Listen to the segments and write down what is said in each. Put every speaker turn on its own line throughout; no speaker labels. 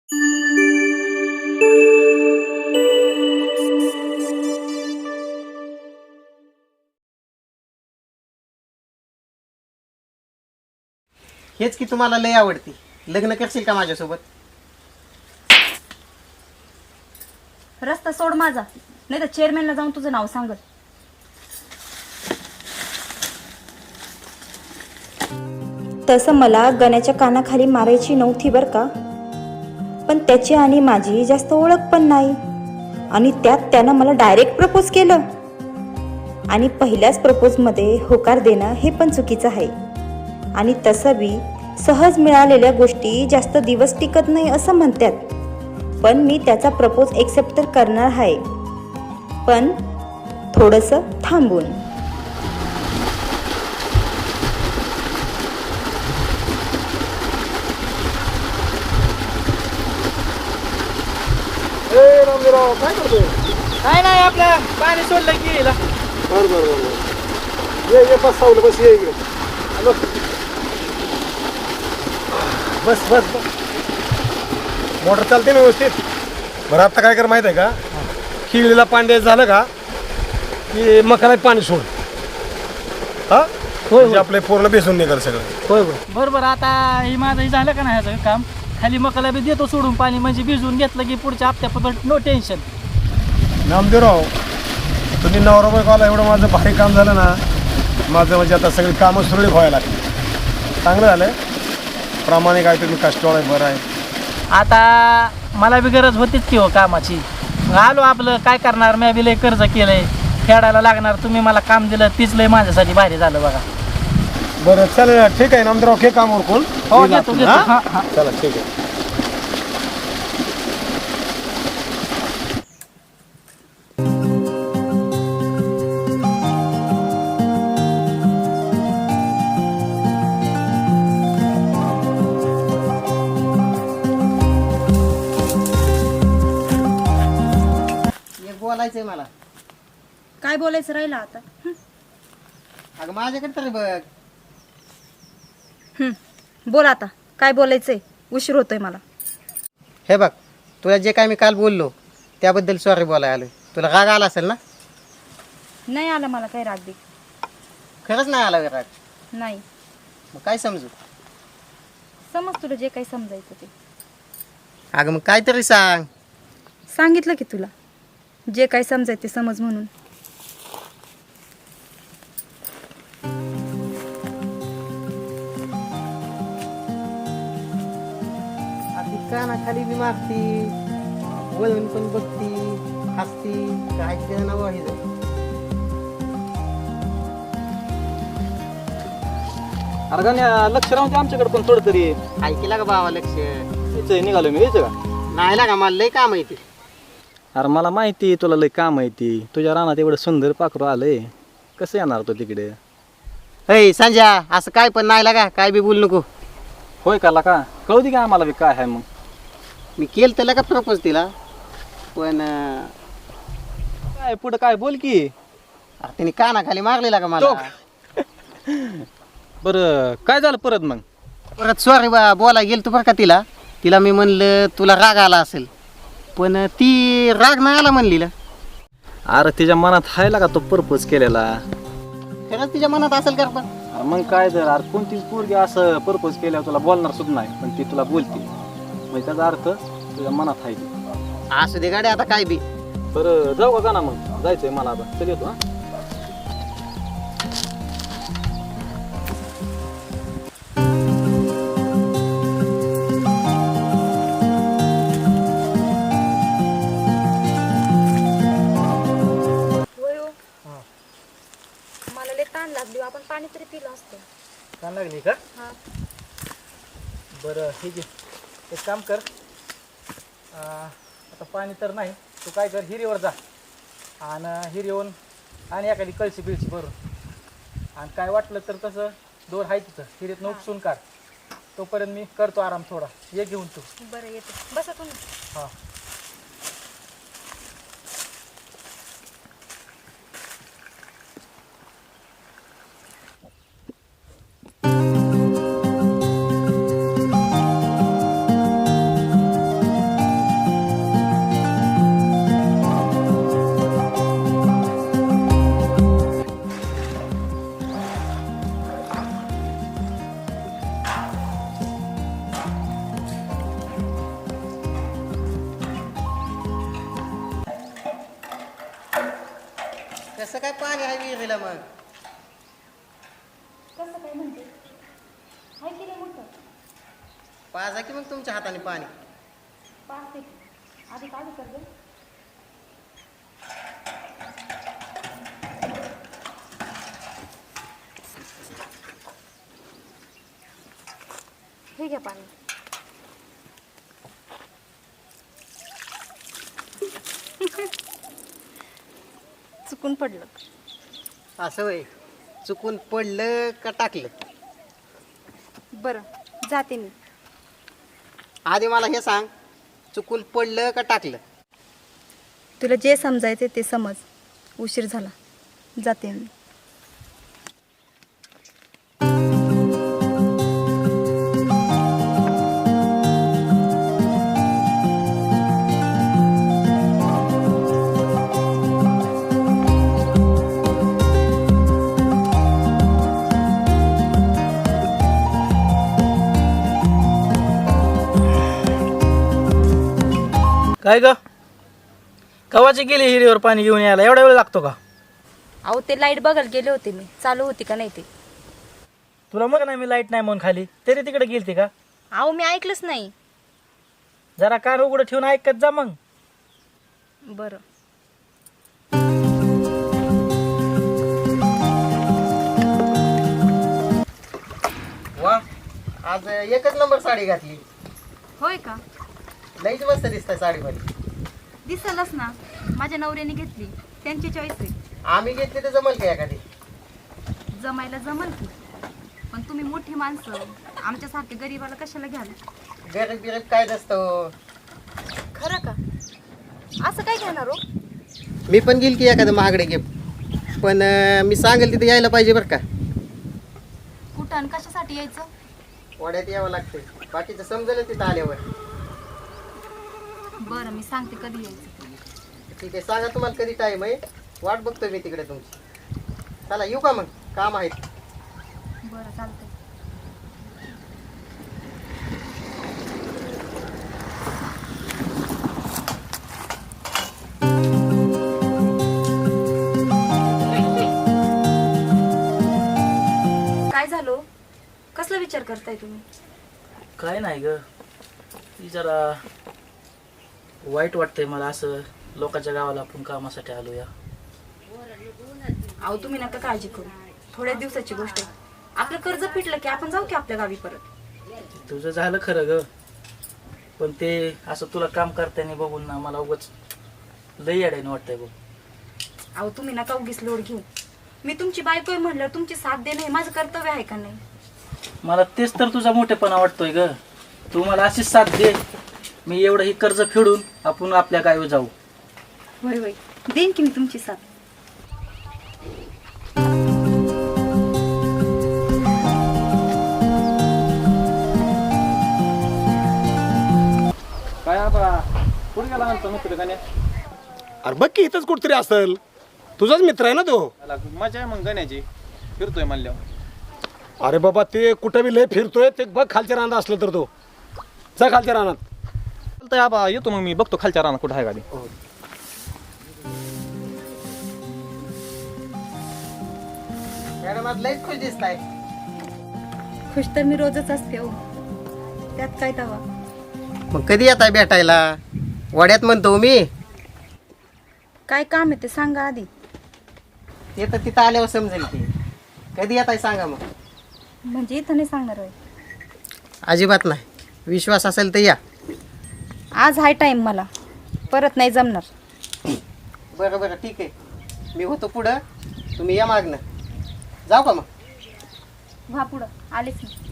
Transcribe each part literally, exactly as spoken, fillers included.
हेच की तुम्हाला लय आवडती. लग्न करशील का माझ्यासोबत?
रस्ता सोड माझा, नाही तर चेअरमॅनला जाऊन तुझं नाव सांगत. तसं मला गण्याच्या कानाखाली मारायची नव्हती बरं का, पण त्याची आणि माझी जास्त ओळख पण नाही. आणि त्यात त्यानं मला डायरेक्ट प्रपोज केलं. आणि पहिल्याच प्रपोजमध्ये होकार देणं हे पण चुकीचं आहे. आणि तसं बी सहज मिळालेल्या गोष्टी जास्त दिवस टिकत नाही असं म्हणतात. पण मी त्याचा प्रपोज एक्सेप्ट तर करणार आहे, पण थोडंसं थांबून.
ए रामजीराव काय करतोय?
काय नाही, आपलं पाणी सोडलं की गेला.
बर बर बर ये ये बस सावलं बस ये इकडे. हॅलो बस बस बस मोटर चालते ना व्यवस्थित. बरं आता काय कर माहिती आहे का, खिळीला पाणी द्यायचं झालं का की मकाला पाणी सोड. हा म्हणजे आपले पूर्ण बेसून निघाल सगळं.
होय होय बरोबर. आता हे माझं हे झालं का नाही ह्याचं काम, खाली मकाला बी देतो सोडून पाणी, म्हणजे भिजवून घेतलं की पुढच्या हप्त्यापर्यंत नो टेन्शन.
नामदेवराव तुम्ही नवरा बायकोला एवढं माझं भारी काम झालं ना, माझं म्हणजे आता सगळी कामं सुरळीत व्हायला लागली. चांगलं झालं. प्रामाणिक आहे तुम्ही, कष्टवाळ आहे, बरं आहे.
आता मला बी गरज होतीच की हो कामाची. आलो आपलं, काय करणार, मी बी लय कर्ज केलंय, फेडायला लागणार. तुम्ही मला काम दिलं तीच लय माझ्यासाठी भारी झालं बघा.
बरं चल ठीक आहे नामदेवराव, घे काम उरकून.
हो घेतो घेतो. हां हां
चला ठीक आहे.
बोलायचंय मला.
काय बोलायचं राहिलं आता?
अगं माझ्याकडे तरी बघ.
हं, बोल आता काय बोलायचंय, उशीर होतोय मला.
हे बघ, तुला जे काय मी काल बोललो त्याबद्दल सॉरी बोलायला आलोय. तुला राग आला असेल ना?
नाही आला मला काही राग बी.
खरंच नाही आला राग?
नाही.
मग काय समजू?
समज तुला जे काही समजायचं ते.
अगं मग काहीतरी सांग.
सांगितलं की तुला जे काही समजायचं ते समज म्हणून.
कानाखाली बी मागती, वळून पण बघती, हसती, काय ना वाही जाईल.
अरे गाण्या लक्ष राहून आमच्याकडे पण थोडं तरी.
ऐकला का बाबा लक्ष?
यायचं निघालो मी, यायचं का?
नाही लागा, मला लय काम आहे ते.
अरे मला माहिती तुला लय काम आहे ती. तुझ्या रानात एवढं सुंदर पाखरू आलंय, कसं येणार तो तिकडे?
अय संजय, असं काय पण नाही लागा, काय बी बोलू नको.
होय का का कळू दे का आम्हाला बी काय आहे. मग
मी केलं त्याला का प्रपोज तिला, पण
काय पुढं काय बोल की.
तिने कानाखाली मारलेला का मला.
बरं काय झालं परत? मग
परत सॉरी बा बोला गेल तू बरं का तिला. तिला मी म्हणलं तुला राग आला असेल, पण ती राग नाही आला म्हणलीला.
अरे तिच्या मनात हायला का तो प्रपोज केलेला?
खरंच तिच्या मनात असेल कर. पण
अरे मग काय जर अरे कोणतीच पोरगी असं प्रपोज केल्यावर तुला बोलणार सुद्धा नाही, पण ती तुला बोलते, म्हणजे त्याचा अर्थ तुझ्या मनात आहे ती.
असू दे गाडी, आता काय बी.
बरं जाऊ का ना, मग जायचंय मला आता. चल येतो. हा
मला लय ताण लागली, आपण पाणी तरी पिलं असतं.
छान लागली का?
हा.
बरं ठीक आहे, एक काम कर. आता पाणी तर नाही, तू काय कर, हिरीवर जा आणि हिरीवरून आणि एखादी कळशी बिळशी भरून, आणि काय वाटलं तर तसं दोर आहे तिथं हिरीत उपसून काढ. तोपर्यंत मी करतो आराम थोडा. ये घेऊन तू.
बरं येते, बसा तुम्ही.
हां
कसं काय पाणी आहे विहिरीला मग?
कसं काय म्हणते हाय की रे मोठं
पाजा की मग तुमच्या हाताने पाणी.
पाच ते आधी काढू कर गं. हे घ्या पाणी. चुकून पडलं.
असं होय, चुकून पडलं का टाकलं?
बरं जाते मी.
आधी मला हे सांग, चुकून पडलं का टाकलं?
तुला जे समजायचे ते समज. उशीर झाला, जाते मी.
काय ग कवाची गेली हिरीवर पाणी घेऊन यायला एवढा वेळ लागतो का?
अहो ते लाईट बघायला गेले होते मी, चालू होती का नाही ते.
तुला मग नाही मी लाईट नाही म्हणून खाली तरी तिकडे गेलती का?
अहो मी ऐकलंच नाही.
जरा कान उघडं ठेवून ऐकत जा मग.
बरं.
वा, आज एकच नंबर साडी घातली.
होय का?
लईच मस्त दिसतंय साडीमध्ये.
दिसलच ना, माझ्या नवऱ्याने घेतली, त्यांची चॉईस आहे.
आम्ही घेतली तर जमल का एखादी?
जमायला जमल की, पण तुम्ही मोठी माणसं आमच्यासारखे गरीबाला कशाला घ्याल?
गरीब बिरीब काय नसतं.
खरं का? असं काय घेणार हो?
मी पण घेईल की एखादं महागडे गिफ्ट, पण अं, मी सांगेल तिथे यायला पाहिजे बरं का.
कुठं आणि कशासाठी यायचं?
वाड्यात यावं लागतंय, बाकीचं समजेल तिथं आल्यावर.
बरं मी सांगते कधी यायचं.
ठीक आहे, सांगा तुम्हाला कधी टाईम आहे, वाट बघतोय मी तिकडे तुमची. चला येऊ का मग, काम आहेत.
बरं चालतंय. काय झालं? कसला विचार करताय तुम्ही?
काय नाही ग, ती जरा वाईट वाटतंय मला असं लोकांच्या गावाला आपण कामासाठी आलो या.
अहो तुम्ही नका काळजी करू, थोड्या दिवसाची गोष्ट आहे. आपलं कर्ज फिटलं की आपण जाऊ की आपल्या गावी परत.
तुझं झालं खरं ग, पण ते असं तुला काम करताना बघून ना मला उगाच लई अडायनं वाटतंय बघ.
अहो तुम्ही नका उगीच लोड घेऊ. मी तुमची बायको आहे म्हणल्यावर तुमची साथ देणं हे माझं कर्तव्य आहे का नाही?
मला तेच तर तुझा मोठेपणा वाटतोय ग. तू मला अशीच साथ दे, मी एवढं ही कर्ज फेडून आपण आपल्या गावी जाऊ.
होय होय देईन की मी तुमची साथ.
काय आबा कुठे गेला आमचा मित्र गण्या?
अरे बघ की इथंच कुठतरी असेल, तुझाच मित्र आहे ना तो.
त्याला मजा आहे मग गण्याची, फिरतोय म्हणल्यावर.
अरे बाबा ते कुठं बी लय फिरतोय, ते बघ खालच्या रानात असलं तर तो. जा खालच्या रानात.
चालतंय आबा, येतो मग मी बघतो खालच्या रानात कुठं आहे गाडी.
मॅडम आज लईच खुश दिसताय.
खुश तर मी रोजच असते हो, त्यात काय तवा.
मग कधी येत आहे भेटायला? वाड्यात म्हणतो मी.
काय काम आहे ते सांगा आधी.
ते तर तिथं आल्यावर समजेल की. कधी येत आहे सांगा मग.
म्हणजे इथं नाही सांगणार होय?
अजिबात नाही, विश्वास असेल तर या.
आज हाय टाइम मला, परत नाही जमणार.
बरं बरं ठीक आहे, मी होतो पुढं, तुम्ही या मागणं. जाऊ का मग?
व्हा पुढं, आलेच मी.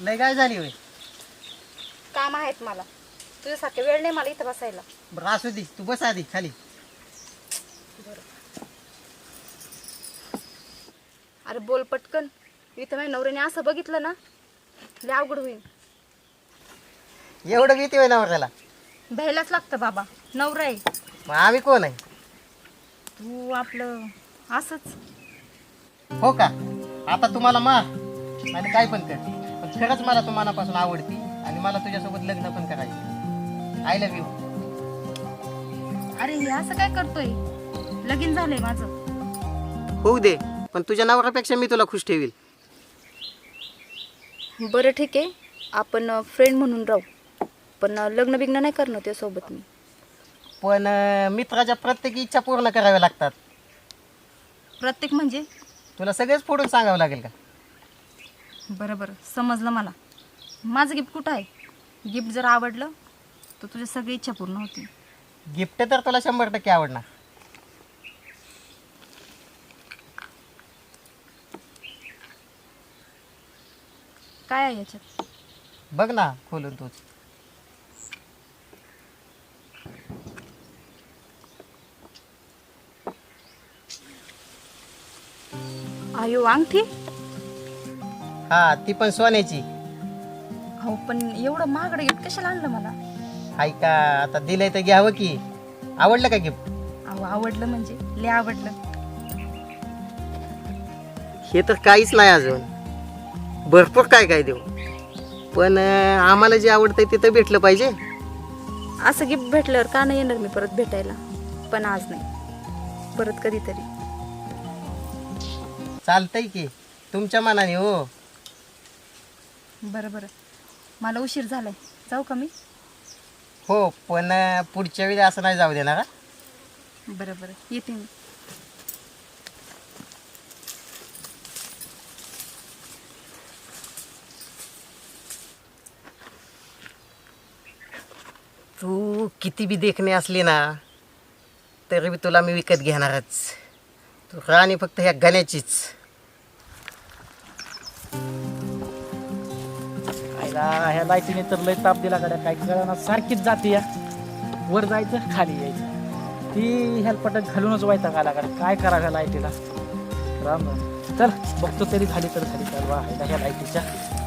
लय काय झाली होय?
काम आहेत मला, तुझ्यासारखं वेळ नाही मला इथं बसायला.
बरं असू दे, तू बस आधी खाली.
अरे बोल पटकन, इथं माझ्या नवऱ्याने असं बघितलं ना लय अवघड होईल.
एवढं भीती होय नवऱ्याला?
भ्यायलाच लागतं बाबा, नवरा आहे.
मग आम्ही कोण आहे?
तू आपलं असंच.
हो का? आता तुम्हाला मार आणि काय पण कर, पण खरंच मला तू मनापासून आवडती आणि मला तुझ्यासोबत लग्न पण करायचं. I love you.
अरे हे असं काय करतोय? लगीन झालंय माझं.
होऊ दे, पण तुझ्या नवऱ्यापेक्षा मी तुला खुश ठेवील.
बरं ठीक आहे, आपण फ्रेंड म्हणून राहू, पण लग्न बिग्न नाही करणार त्यासोबत मी.
पण अं, मित्राच्या प्रत्येक इच्छा पूर्ण कराव्या लागतात.
प्रत्येक म्हणजे?
तुला सगळेच फोडून सांगावं लागेल का?
बरं बरं समजलं मला. माझं गिफ्ट कुठं आहे? गिफ्ट जर आवडलं तर तुझ्या सगळी इच्छा पूर्ण होती.
गिफ्ट तर तुला शंभर टक्के आवडणार.
काय आहे याच्यात?
बघ ना खोलून तूच.
आयो अंगठी?
हा, ती पण सोन्याची.
हो पण एवढं महागडं गिफ्ट कशाला आणलं मला?
हाय का, आता दिलंय तर घ्यावं की. आवडलं का गिफ्ट?
अहो आवडलं म्हणजे लय आवडलं.
हे तर काहीच नाही अजून, भरपूर काय काय देऊ, पण अं, आम्हाला जे आवडतंय ते तर भेटलं पाहिजे.
असं गिफ्ट भेटल्यावर का नाही येणार मी परत भेटायला? पण आज नाही, परत कधीतरी.
चालतंय की, तुमच्या मनाने. हो
बरं बरं, मला उशीर झालाय, जाऊ का मी?
हो, पण अं, पुढच्या वेळी असं नाही जाऊ देणार. हा?
बरं बरं येते मी.
तू किती बी देखणे असली ना तरी बी तुला मी विकत घेणारच. तू राणी फक्त ह्या गण्याचीच.
आईला ह्या लाईटीने तर लय ताप दिला गाड्या, काय कळणार, सारखीच जाते या. वर जायचं खाली यायचं, ती हेल्पटक घालूनच व्हायचा गाला गाड्या. काय करा ह्या लाईटीला, राम राम. चल बघतो तरी झाली तर झाली तर वा ह्या लाईटीच्या.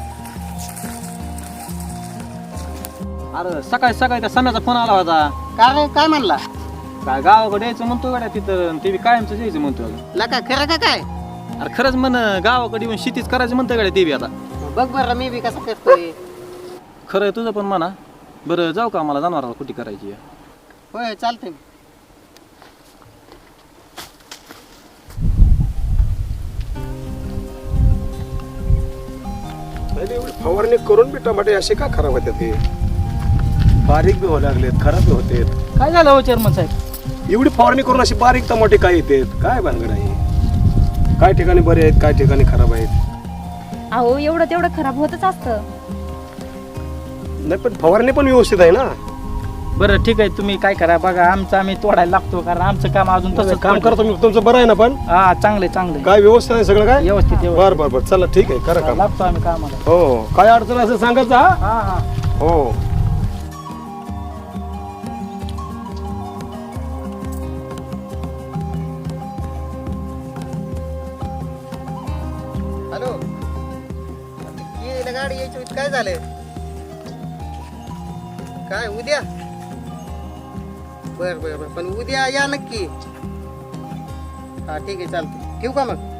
अरे सकाळी सकाळी त्या सम्याचा फोन आला होता.
काय काय म्हणला?
काय गावाकडे यायचं म्हणतो गाड्या, तिथं ते बी कायमचं यायचं म्हणतो.
लका खरं का काय?
अरे खरंच म्हण, गावाकडे येऊन शेतीच करायचं म्हणतं गाड्या ते बी आता.
बघ बरं मी बी कसं करतोय.
खरं आहे तुझं पण म्हणा. बरं जाऊ का, मला जनावराला कुठे करायची आहे.
होय चालतंय.
एवढी फवारणी करून बी टमाटे असे का खराब होतात? हे बारीक बी व्हायला लागलेत, खराब बी होतात.
काय झालं हो चेअरमन साहेब?
एवढी फवारणी करून अशी बारीक टमाटे काय येतात? काय भानगड आहे? काय ठिकाणी बरे आहेत, काय ठिकाणी खराब आहेत.
अहो एवढं तेवढं खराब होतच असतं.
नाही पण फवारणी पण व्यवस्थित आहे ना.
बरं ठीक आहे, तुम्ही काय करा बघा, आमचं आम्ही तोडायला लागतो, कारण आमचं काम अजून तसं
काम करतो मी, तुमचं बरं आहे ना? पण
हा चांगले चांगले
काय व्यवस्थित आहे सगळं? काय
व्यवस्थित व्यवस्थित.
बर बर बर, चला ठीक आहे, करा काम.
लागतो आम्ही कामाला.
हो हो, काय अडचण असेल सांगायचं. हा
हा हा.
हो.
हॅलो, गाडी यायची होती, काय झालं? काय उद्या? बर बर बर, पण उद्या या नक्की. हा ठीक आहे चालतं, ठेवू का मग?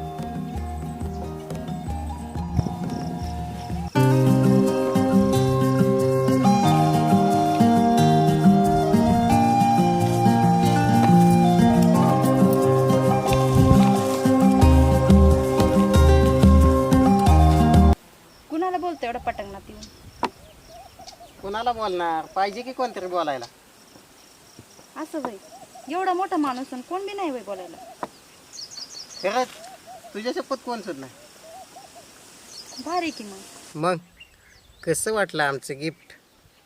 कुणाला बोलतो एवढं पटंगणात येऊन?
कोणाला बोलणार पाहिजे की कोणतरी बोलायला.
असं बाई, एवढा मोठा माणूस आणि कोण बी नाही बाई बोलायला.
खरंच तुझ्या शपथ कोण सुद्धा नाही.
भारी की मग.
मग कसं वाटलं आमचं गिफ्ट?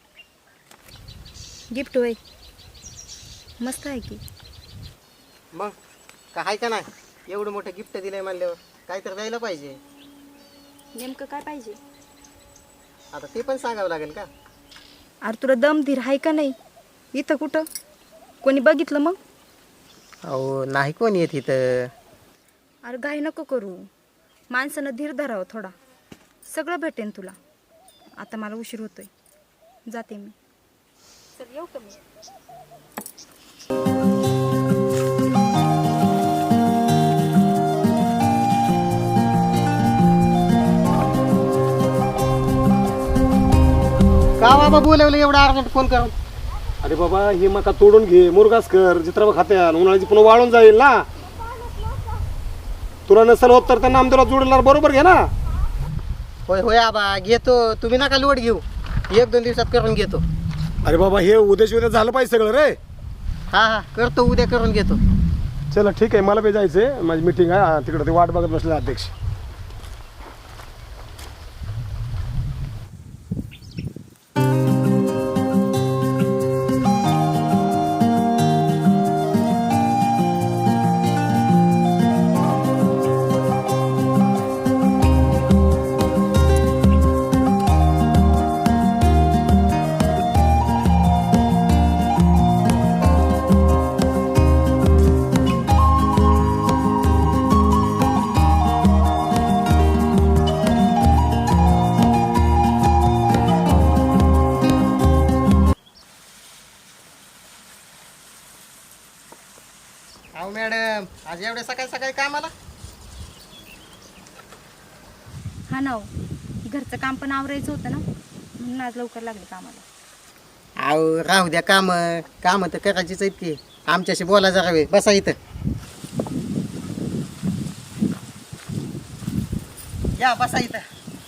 गिफ्ट होय, मस्त आहे की.
मग काय का नाही, एवढं मोठं गिफ्ट दिलंय म्हणल्यावर काय तर द्यायला पाहिजे.
नेमकं काय पाहिजे?
काय तर द्यायला पाहिजे. आता ते पण सांगावं लागेल का?
अरे तुला दम धीर आहे का नाही? इथं कुठं कोणी बघितलं मग?
अहो नाही कोण येत इथं.
अरे घाई नको करू, माणसानं धीर धरावं थोडा, सगळं भेटेन तुला. आता मला उशीर होतोय, जाते मी. चल येऊ का मी?
का बाबा बोलवलं एवढं अर्जंट फोन करून?
अरे बाबा ही मका तोडून घे, मुरगास कर, जित्राबा खात्याल उन्हाळ्याची पुन्हा वाळून जाईल ना. तुला नसेल होत तर त्यांना आमच्याला जोडणार बरोबर घे ना.
होय होय आबा घेतो, तुम्ही नका लोड घेऊ, एक दोन दिवसात करून घेतो.
अरे बाबा हे उद्याच उद्या झालं पाहिजे सगळं रे.
हा हा करतो, उद्या करून घेतो.
चला ठीक आहे, मला बी जायचंय, माझी मीटिंग आहे तिकडे, ते वाट बघत बसले अध्यक्ष.
अहो मॅडम, आज एवढ्या सकाळी सकाळी कामाला?
हा ना हो, घरचं काम पण आवरायचं होतं ना, म्हणून आज लवकर लागले कामाला.
अहो राहू द्या, काम काम तर करायचीच आहेत की. आमच्याशी बोला जरा वेळ, बसा इथं. या बसा इथं.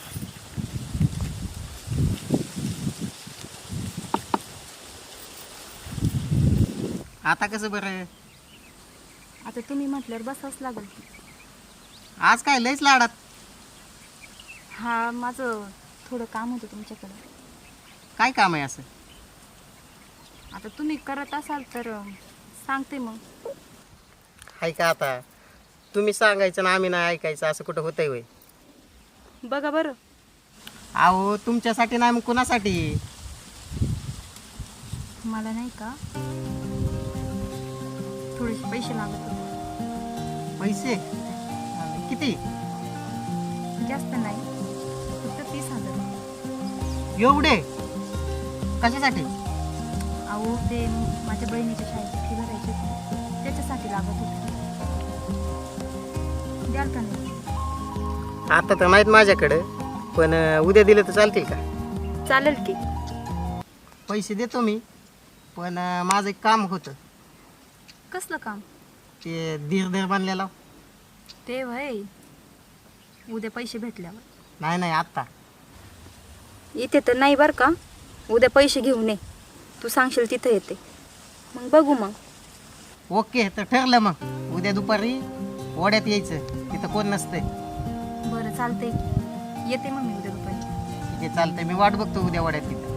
आता कसं बरं?
आता तुम्ही म्हटल्यावर बसावंच लागेल.
आज काय लयच लाडात?
हा, माझं थोडं काम होतं तुमच्याकडं.
काय काम आहे असं?
आता तुम्ही करत असाल तर अं, सांगते मग.
हाय का आता? तुम्ही सांगायचं ना आम्ही नाही ऐकायचं, असं कुठं होतंय होय?
बघा बरं.
अहो तुमच्यासाठी नाही मग कुणासाठी?
मला नाही का थोडेसे पैसे लागत होते.
पैसे किती?
जास्त नाही, फक्त तीस हजार रुपये.
एवढे कशासाठी?
अहो ते माझ्या बहिणीच्या शाळेची फी भरायची होती, त्याच्यासाठी लागत होते. द्याल का नाही?
आता तर माहीत माझ्याकडं, पण अं, उद्या दिलं तर चालतील का?
चालेल की.
पैसे देतो मी, पण अं, माझं एक काम होतं.
कसलं काम?
ते धीर धीर बांधलेला.
ते वय उद्या पैसे भेटल्यावर.
नाही नाही आत्ता.
इथे तर नाही बरं का, उद्या पैसे घेऊन ये. तू सांगशील तिथं येते, मग बघू. मग
ओके, तर ठरलं. मग उद्या दुपारी ओढ्यात यायचं, तिथं कोण नसतंय.
बरं चालतंय, येते मग मी उद्या दुपारी.
ठीक आहे चालतंय, मी वाट बघतो उद्या ओढ्यात तिथं.